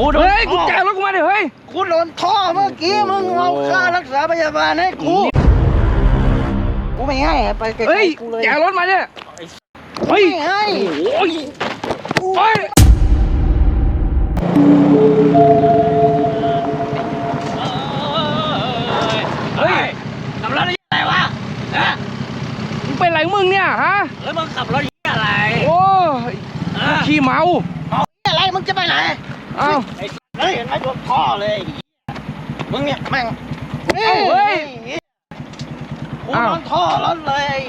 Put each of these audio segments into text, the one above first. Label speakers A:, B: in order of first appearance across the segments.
A: เฮ้ยกูแจกรถกูมาดิเฮ้ย
B: กูโดนท่อเมื่อกี้มึงเอาค่ารักษาพยาบาลให้กูไม่ให้ไปไกลๆกูเลย
A: แจกรถมาเนี่ย
B: ไม่ให้
A: โอ้ยเฮ้ย
B: ขับรถอะไรวะ
A: มึงเป็นไรมึงเนี่ยฮะ
B: แล้วมึงขับรถอะไร
A: โอ้ยขี้เมา
B: อะไรมึงจะไปไหน
A: อ้าว
B: เฮ้ยเห็นไหมโดนท่อเลยมึงเนี่ยแม่ง
A: เฮ้ย
B: กูโดนท่อรถเลย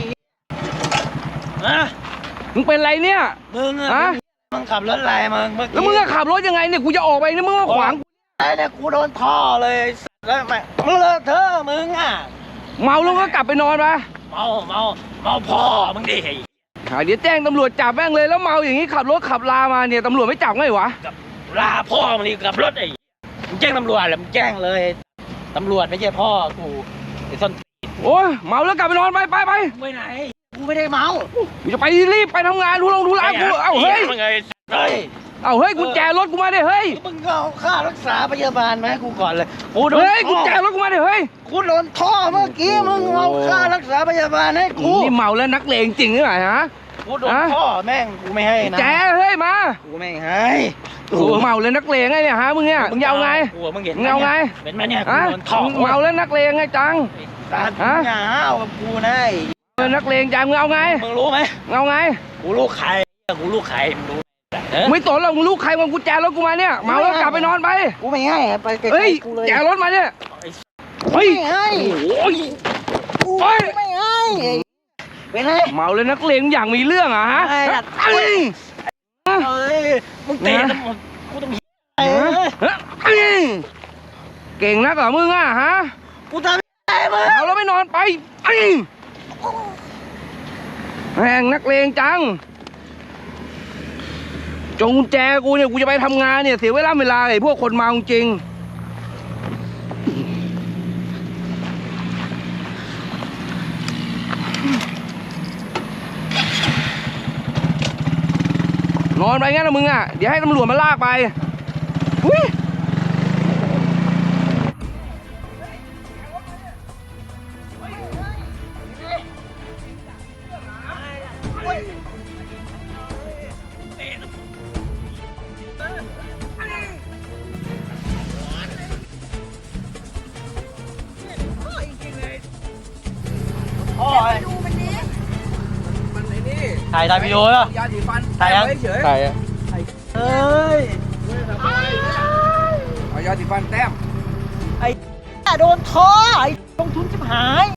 A: มึงเป็นไรเนี่ย
B: มึงขับรถอะไรมึง
A: แล้วมึงจะขับรถยังไงเนี่ยกูจะออกไปนี่มึงมาขวาง
B: ไอ้เนี่ยกูโดนท่อเลยแล้วแม่มึงเลอะเทอะมึง
A: เมาแล้วก็กลับไปนอนไป
B: เมาพ่อมึงดิ
A: เดี๋ยวแจ้งตำรวจจับแม่งเลยแล้วเมาอย่างนี้ขับรถขับลามาเนี่ยตำรวจไม่จับไงวะ
B: ลาพ่อมึงดิขับรถมึงแจ้งตำรวจแล้วมึงแจ้งเลยตำรวจไม่ใช่พ่อกูไอ้ส้น
A: โอ้ยเมาแล้วกลับไปนอนไป
B: ไปไหนกูไม่ได้เมา
A: กูจะไปรีบไปทำงานทุลากูเอาเฮ้ยเอาเฮ้ยกุญแจรถกูมาดิเฮ้ย
B: มึงเอาค่ารักษาพยาบาลมาให้กูก่อนเลย
A: เฮ้ยกุญแจรถกูมาดิเฮ้ย
B: กูโดนท่อเมื่อกี้มึงเอาค่ารักษาพยาบาลให้กู
A: นี่เมาแล้วนักเลงจริงหรือเปล่าฮะ
B: กูโดนท่อแม่งกูไม่ให้นะ
A: แจเฮ้ยมา
B: กูไม่ให้
A: กูเมาแล้วนักเลงไงเนี่ยฮะมึงเนี่ยมึงเอาไง
B: มึงเห็น
A: เอาไง
B: เป็นไหมเนี่ยกูโดนท่อ
A: เมาแล้วนักเลงไงจัง
B: ฮะอย่าเอากับกูนะ
A: นักเลงจังมึงเอาไง
B: มึงรู้ไหม
A: เอาไง
B: กูลูกใครมึงรู้
A: ไม่ตนหรอกมึงลูกใครมึงกุญแจรถกูมาเนี่ยเมาแล้วกลับไปนอนไป
B: กูไม่ให้ไปไกลๆกูเลย
A: แจรถมาเนี่ย
B: ไม่ให้
A: โอ้ย
B: ไม่ให้เป็นไง
A: เมาเลยนักเลงอย่างมีเรื่องอ่ะฮะ
B: มึงเตะกูต้อง
A: เก่งนักเหรอมึงอ่ะฮะ
B: กูทำได้มั้ย
A: เอาแล้วไม่นอนไปแม่งนักเลงจังจงกุญแจกูเนี่ยกูจะไปทำงานเนี่ยเสียเวลาไอ้พวกคนเมาจริงนอนไปงั้นนะมึงอ่ะเดี๋ยวให้ตำรวจมาลากไป
B: ถ่ายวิดีโอเหรอยาสีฟันถ่ายยังถ่ายเฮ้ย
A: เอายาสีฟันแต้ม
B: ไอ้โดนท้อไอ้ลงทุนชิบหาย